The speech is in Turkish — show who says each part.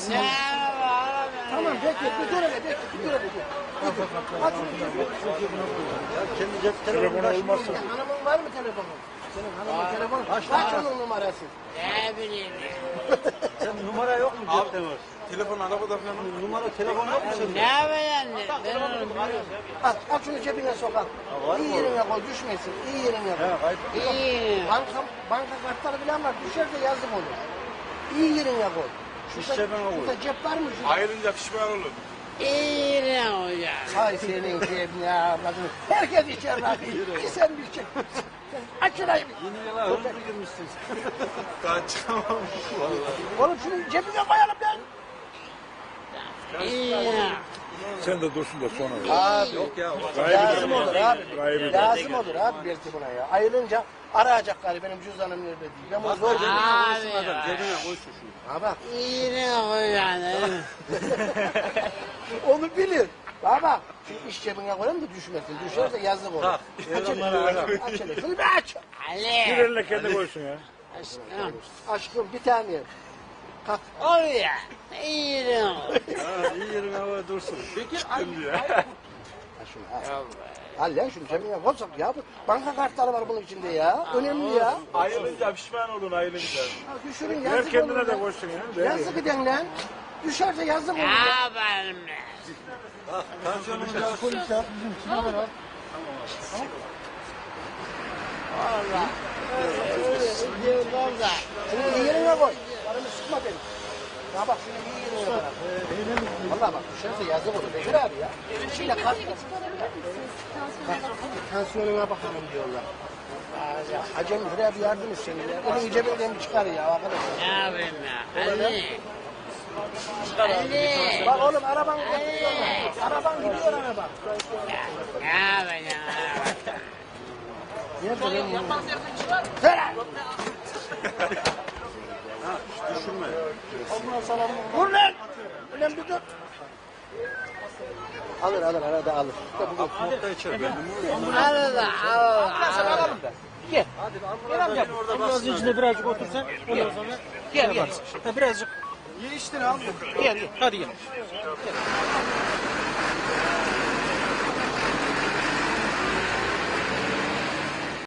Speaker 1: arasın.
Speaker 2: Tamam bekle, bir dur hele, bekle, bir dur hele. Aç şunu cebine.
Speaker 1: Ya kendi cep telefonu olmazsa.
Speaker 2: Hanımın var mı telefonun? Senin hanımın telefonu. Kaç onun numarası?
Speaker 3: Ne bileyim.
Speaker 1: Sen numara yok mu cepte var?
Speaker 4: Telefon arabada falan.
Speaker 1: Numara telefon yok mu sende?
Speaker 3: Ne yapayım? Ben onu bilmiyorum.
Speaker 2: At şunu cebine sok al. İyi yerine koy, düşmesin. İyi yerine koy.
Speaker 3: İyi.
Speaker 2: Banka kartları falan var, düşerse yazık olur. İyi yerine koy. Şurada cep var mı?
Speaker 4: Ayrılınca pişman olur.
Speaker 3: İyi ne olacak?
Speaker 2: Hay senin cebine avradını. Herkes içer lan. Bir sen bir çek. Aç şurayı.
Speaker 1: Yeni yıla hızlı girmişsin.
Speaker 4: Daha çıkamam.
Speaker 2: Oğlum şunu cebine koyalım lan.
Speaker 3: İyi.
Speaker 5: Sen de dursun da sonra.
Speaker 2: Abi
Speaker 1: Yok ya.
Speaker 2: lazım olur abi.
Speaker 5: Gaybı.
Speaker 2: Lazım olur abi belki buna ya. Ayrılınca arayacaklar benim cüzdanım nerede diye. Ben bunu zor
Speaker 3: Abi.
Speaker 1: Cebine koy şunu.
Speaker 2: Ha bak.
Speaker 3: İyi ne olacak?
Speaker 2: Onu bilir. Baba şu iş cebine koyalım da düşmesin. Düşerse yazık olur.
Speaker 1: Tak.
Speaker 2: Aç hele. Aç hele. Şunu bir aç.
Speaker 5: Bir
Speaker 3: Ali.
Speaker 5: elle kendi koysun ya.
Speaker 3: Aşkım.
Speaker 2: Aşkım bir tane. Kalk.
Speaker 3: Oraya. İyi ne olacak?
Speaker 1: Ha, iyi yerin havaya dursun.
Speaker 2: Al şunu al. Al lan şunu cebine koysak ya. Banka kartları var bunun içinde ya. Önemli ya.
Speaker 4: Ayrılınca pişman olun ayrılınca.
Speaker 2: Ha, düşürün
Speaker 5: Ver
Speaker 2: yazık
Speaker 5: kendine
Speaker 2: olur
Speaker 5: de
Speaker 2: lan.
Speaker 5: koysun ya.
Speaker 2: Yazık eden lan. Düşerse yazık olur.
Speaker 3: Ne
Speaker 2: ya.
Speaker 3: yapalım?
Speaker 1: Tansiyonunu da
Speaker 3: Valla. Öyle diyorlar da.
Speaker 2: Şunu iyi yerine koy. Paramı sıkma benim. Ya bak şunu iyi yerine koy. Valla bak düşerse yazık olur. Bekir abi ya. İçiyle kalk. Tansiyonuna bakalım diyorlar. Ya, Hacem şuraya bir yardım et seni ya. Elini cebinden bir çıkar ya arkadaş.
Speaker 3: Ne yapayım ya? Ali. Ali.
Speaker 2: Bak oğlum araban gidiyor. Araban gidiyor araba.
Speaker 3: Ne yapacağım?
Speaker 2: Nerede lan bunu? Ver lan!
Speaker 1: düşürme.
Speaker 2: Vur lan! Ulan bir dur. Alır arada alır.
Speaker 1: Nokta içer benim.
Speaker 3: Arada al.
Speaker 2: Gel.
Speaker 1: Gel amca. Orada bassın.
Speaker 2: içinde birazcık otursan ondan sonra gel. Ha, birazcık.
Speaker 4: Ye işte abi.
Speaker 2: Gel. Hadi gel.